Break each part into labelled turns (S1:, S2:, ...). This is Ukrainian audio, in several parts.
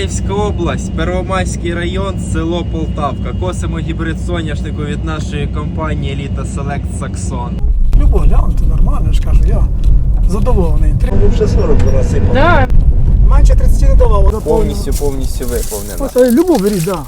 S1: Миколаївська область, Первомайський район, село Полтавка. Косимо гібрид соняшнику від нашої компанії Elite Select Saxon.
S2: Любо глянути, нормально, я ж кажу, я задоволений.
S1: Вже 40 насипав.
S3: Да.
S2: Менше 30 не давало.
S1: Повністю виповнена.
S2: Ось, любов беріть, так. Да.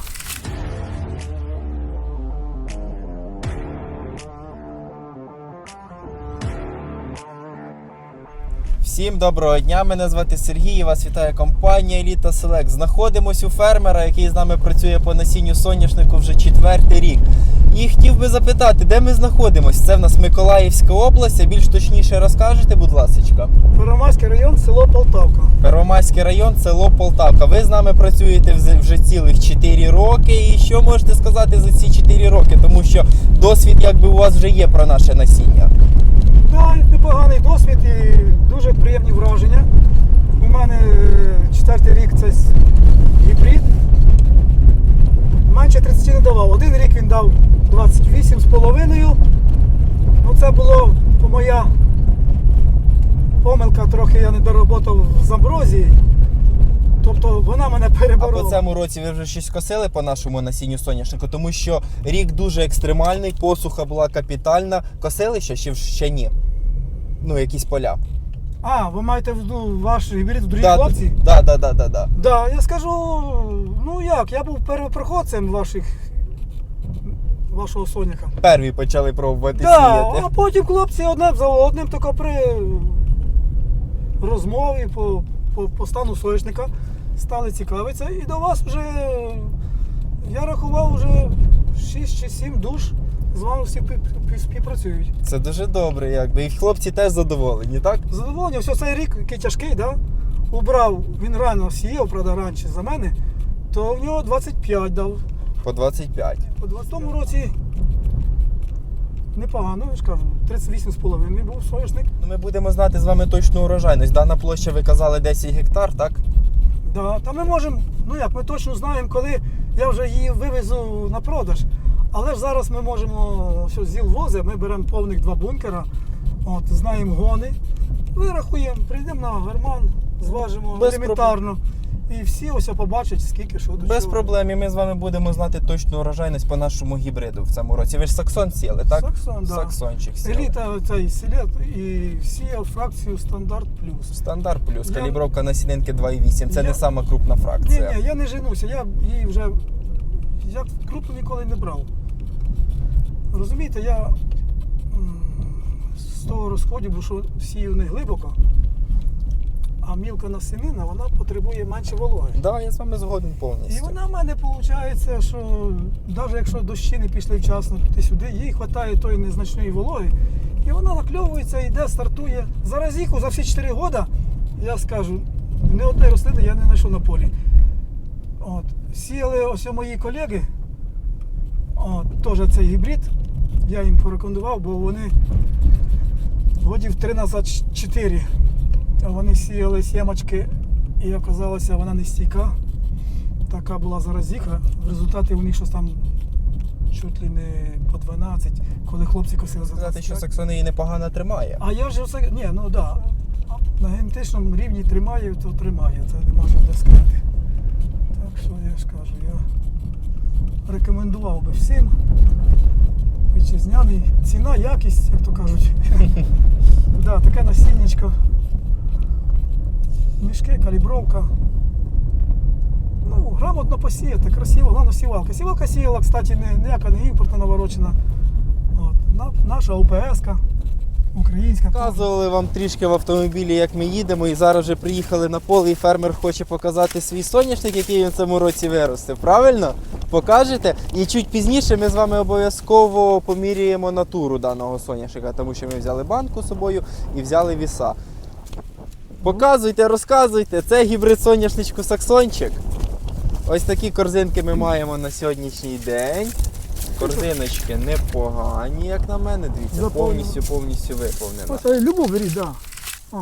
S1: Всім доброго дня, мене звати Сергій і вас вітає компанія Elite Select. Знаходимось у фермера, який з нами працює по насінню соняшнику вже 4-й рік. І хотів би запитати, де ми знаходимось? Це в нас Миколаївська область, а більш точніше розкажете, будь ласка.
S2: Первомайський район, село Полтавка.
S1: Первомайський район, село Полтавка. Ви з нами працюєте вже цілих 4 роки. І що можете сказати за ці 4 роки? Тому що досвід якби у вас вже є про наше насіння.
S2: Так, непоганий досвід і дуже приємні враження. У мене 4-й рік це гібрид. Менше 30 не давав. Один рік він дав 28,5. Ну це було моя помилка, трохи я не доработав з амброзії. Тобто вона мене переборола.
S1: А по цьому році ви вже щось косили по нашому насінню соняшнику? Тому що рік дуже екстремальний, посуха була капітальна. Косили ще ні? Ну, якісь поля.
S2: А, ви маєте в виду ваш гібрид в другій хлопці?
S1: Так.
S2: Да, я скажу, ну як, я був первопроходцем вашого соняка.
S1: Перві почали пробувати
S2: Да,
S1: сіяти.
S2: а потім хлопці одне за одним, тільки при розмові по стану соняшника стали цікавитися. І до вас вже, я рахував, вже 6 чи 7 душ з вами всі співпрацюють.
S1: Це дуже добре, якби. І хлопці теж задоволені, так?
S2: Задоволення, все цей рік, який тяжкий, да? Убрав, він рано сіяв, правда, раніше за мене, то в нього 25 дав.
S1: По 25.
S2: У 20-му році непогано, я ж кажу, 38,5 був соняшник.
S1: Ми будемо знати з вами точну урожайність. Дана площа, ви казали, 10 гектар, так?
S2: Да, та ми можемо, ну як, ми точно знаємо, коли я вже її вивезу на продаж. Але ж зараз ми можемо, що ЗІЛ возить, ми беремо повних 2 бункера, от, знаємо гони, вирахуємо, прийдемо на Герман, зважимо елементарно. І всі ось побачать, скільки, що до чого.
S1: Без проблем, і ми з вами будемо знати точну урожайність по нашому гібриду в цьому році. Ви ж Саксон сіяли, так?
S2: Саксон, да.
S1: Саксончик сіяли.
S2: Еліта цей селет і сіяв фракцію Стандарт Плюс.
S1: Стандарт плюс, калібровка насінинки 2,8. Це не сама крупна фракція.
S2: Ні, я не женуся, я її вже крупну ніколи не брав. Розумієте, я з того розходу, бо що сію не глибоко, а мілка насінина, вона потребує менше вологи.
S1: Так, да, я з вами згоден повністю.
S2: І вона в мене виходить, що навіть якщо дощі не пішли вчасно туди-сюди, їй вистачає тої незначної вологи, і вона накльовується, йде, стартує. Зараз їх за всі 4 роки, я скажу, ні одної рослини я не знайшов на полі. От. Сіяли ось мої колеги, теж цей гібрид, я їм порекомендував, бо вони годів 3 назад 4. Вони сіяли сімочки і оказалося, вона не стійка. Така була заразіха. В результаті у них щось там чуть ли не по 12, коли хлопці косили за 25.
S1: Що Саксон її непогано тримає.
S2: А я ж все, ні, ну да, на генетичному рівні тримає, то тримає, це нема що де сказати. Так що я ж кажу, я рекомендував би всім. Вітчизняний, ціна, якість, як то кажуть. Да, таке насіннячко. Мішки, калібровка. Ну, грамотно посіяти, красиво, головне сівалка. Сівалка сіяла, кстати, ніяка не імпортна наворочена. От, наша ОПС-ка, українська.
S1: Показували вам трішки в автомобілі, як ми їдемо, і зараз вже приїхали на поле, і фермер хоче показати свій соняшник, який він в цьому році виростив. Правильно? Покажете? І чуть пізніше ми з вами обов'язково поміряємо натуру даного соняшника, тому що ми взяли банку з собою і взяли віса. Показуйте, розказуйте. Це гібрид соняшничку Саксончик. Ось такі корзинки ми маємо на сьогоднішній день. Корзиночки непогані, як на мене. Дивіться, повністю виповнена.
S2: Ось любов беріть, так. Да.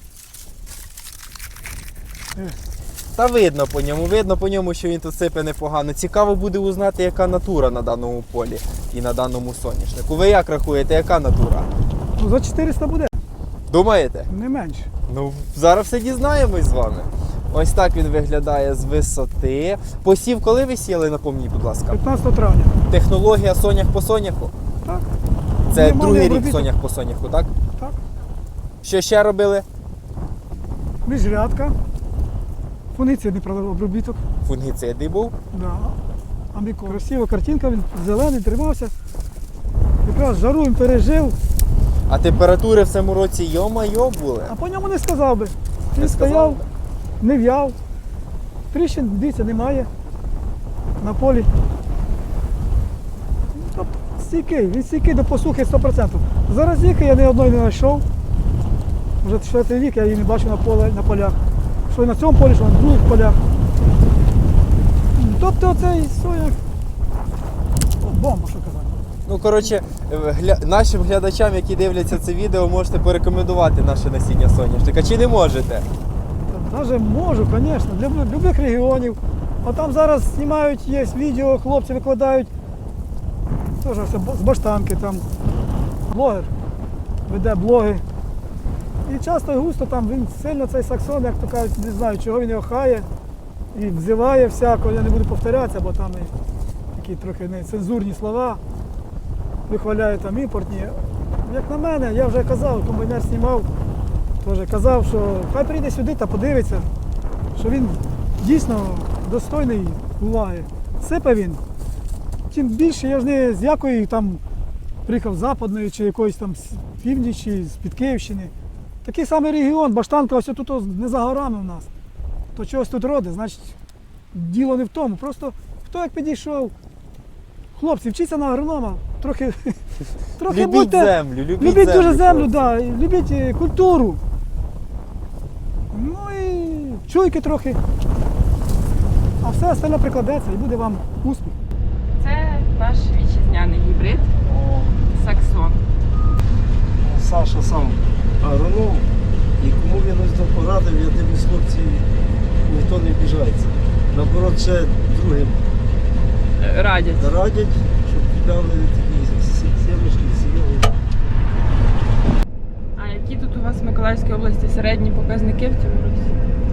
S1: Та видно по ньому, що він тут сипе непогано. Цікаво буде узнати, яка натура на даному полі і на даному соняшнику. Ви як рахуєте, яка натура?
S2: Ну, за 400 буде.
S1: Думаєте?
S2: Не менше.
S1: Ну, зараз все дізнаємось з вами. Ось так він виглядає з висоти. Посів, коли ви сіяли, напомніть, будь ласка.
S2: 15 травня.
S1: Технологія сонях по соняху.
S2: Так.
S1: Це
S2: Мінімальний
S1: другий рік
S2: обробіток.
S1: сонях по соняху, так?
S2: Так.
S1: Що ще робили?
S2: Міжрядка. Фунгіцидний обробіток.
S1: Фунгіциди був.
S2: Да. Амбіко. Красива картинка, він зелений, тримався. Якраз жару він пережив,
S1: А температури в цьому році йо-майо були.
S2: а по ньому не сказав би.
S1: Не
S2: Він
S1: сказав
S2: стояв,
S1: би?
S2: не в'яв. Тріщин, дивіться, немає на полі. Тобто стійкий, він стійкий до посухи 100%. Зараз їхи я ні одної не знайшов. Вже 4-й рік я її не бачу на полях. Що на цьому полі, що на других полях. Тобто оцей соняк, бомба, що казати.
S1: Ну, коротше, нашим глядачам, які дивляться це відео, можете порекомендувати наше насіння соняшника. Чи не можете?
S2: Навіть можу, звісно, для будь-яких регіонів. А там зараз знімають, є відео, хлопці викладають. Теж все з баштанки там. Блогер веде блоги. І часто і густо там він сильно цей саксон, як то кажуть, не знаю, чого він його хає і взиває всякого, я не буду повторятися, бо там і такі трохи нецензурні слова. Вихваляє там імпортні. Як на мене, я вже казав, комбайнер знімав, теж казав, що хай прийде сюди та подивиться, що він дійсно достойний уваги. Сипе він. Тим більше я ж не з якої там приїхав з Западної чи якоїсь там з північі, з-під Київщини. Такий самий регіон, Баштанка, ось тут не за горами в нас. То чогось тут родить, значить діло не в тому. Просто хто як підійшов. Хлопці, вчіться на агронома, трохи
S1: Любіть
S2: будьте,
S1: землю,
S2: любіть дуже землю,
S1: хлопці.
S2: да, і любіть культуру. Ну і чуйки трохи. А все остальне прикладеться і буде вам успіх.
S3: Це наш вітчизняний гібрид Саксон.
S4: Саша сам агроном, і кому він ось то порадив, я дивлюсь, хлопці, ніхто не обіжається. Наоборот, ще другим
S3: Радять.
S4: радять, щоб купляли такі сімечки, сіяли.
S3: А які тут у вас в Миколаївській області середні показники в цьому році?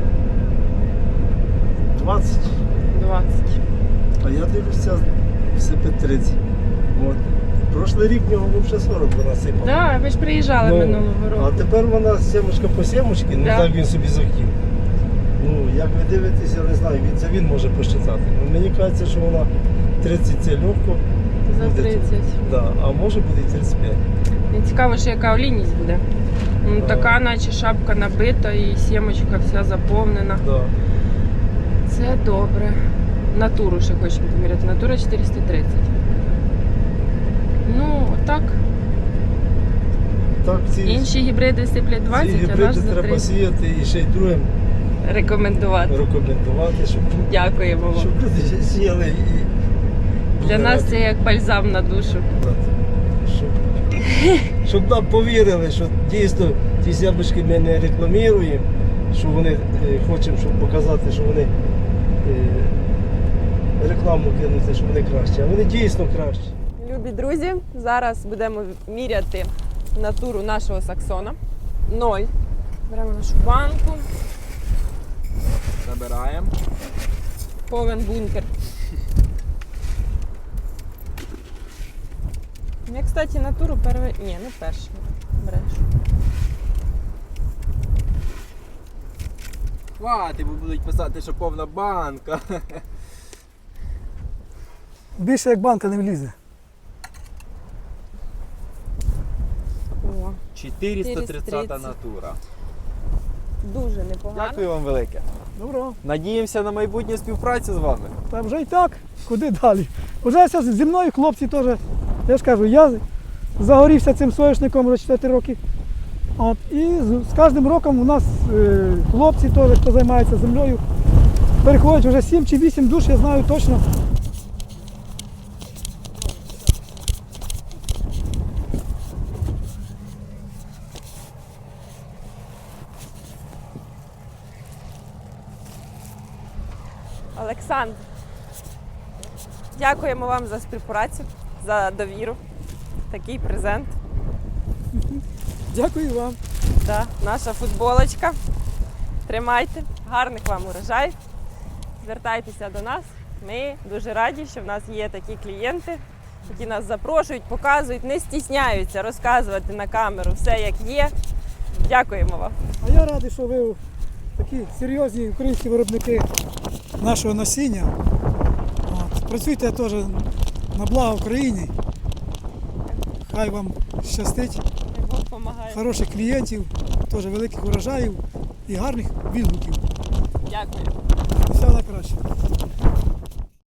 S4: 20,
S3: 20.
S4: а я дивлюся, все під 30. От. Прошлий рік в нього вже 40 вона сипала.
S3: Так, ви ж приїжджали
S4: Ну,
S3: минулого
S4: А
S3: року.
S4: тепер вона сімочка по сімочки, ну
S3: Да.
S4: так він собі захотів. Ну, як ви дивитесь, я не знаю, він може посчитати. Ну, мені кажеться, що вона 30 це легко.
S3: За
S4: буде
S3: 30.
S4: Да, а може буде і 35.
S3: Мені цікаво, що яка олійність буде. Ну,
S4: Так.
S3: така, наче шапка набита і сімочка вся заповнена.
S4: Да.
S3: Це добре. Натуру ще хочемо поміряти. Натура 430. Ну, отак.
S4: Так, ці,
S3: Інші гібриди сиплять 20,
S4: ці
S3: а наш
S4: гібриди
S3: за
S4: треба
S3: 30.
S4: сіяти і ще й другим
S3: Рекомендувати.
S4: рекомендувати,
S3: Дякуємо вам.
S4: щоб люди сіяли і
S3: Для нас це як бальзам на душу.
S4: щоб нам повірили, що дійсно ті сябочки ми не рекламуємо, що вони хочемо, щоб показати, що вони рекламу кинути, що вони кращі, а вони дійсно кращі.
S5: Любі друзі, зараз будемо міряти натуру нашого саксона. 0. Беремо нашу банку,
S1: Забираємо.
S5: повен бункер. Я, кстати, натуру Ні, не перший. Береш.
S1: Хвати, бо будуть писати, що повна банка.
S2: Більше як банка не влізе.
S5: О,
S1: 430 натура.
S5: дуже непогано.
S1: Дякую вам велике.
S2: Добро.
S1: Надіємося на майбутню співпрацю з вами.
S2: Та вже і так, куди далі? Вже все зі мною хлопці теж. Я ж кажу, я загорівся цим соняшником вже 4 роки. От, і з кожним роком у нас хлопці теж, хто займається землею, переходять вже 7 чи 8 душ, я знаю точно.
S5: Олександр, дякуємо вам за співпрацю, за довіру. Такий презент.
S2: Дякую вам.
S5: Да, наша футболочка. Тримайте, гарних вам урожаїв. Звертайтеся до нас. Ми дуже раді, що в нас є такі клієнти, які нас запрошують, показують, не стісняються розказувати на камеру все, як є. Дякуємо вам.
S2: А я радий, що ви такі серйозні українські виробники нашого насіння. От. Працюйте теж на благо Україні. Хай вам щастить,
S5: Бог допомагає.
S2: хороших клієнтів, теж великих урожаїв і гарних відгуків.
S5: Дякую.
S2: Все найкраще.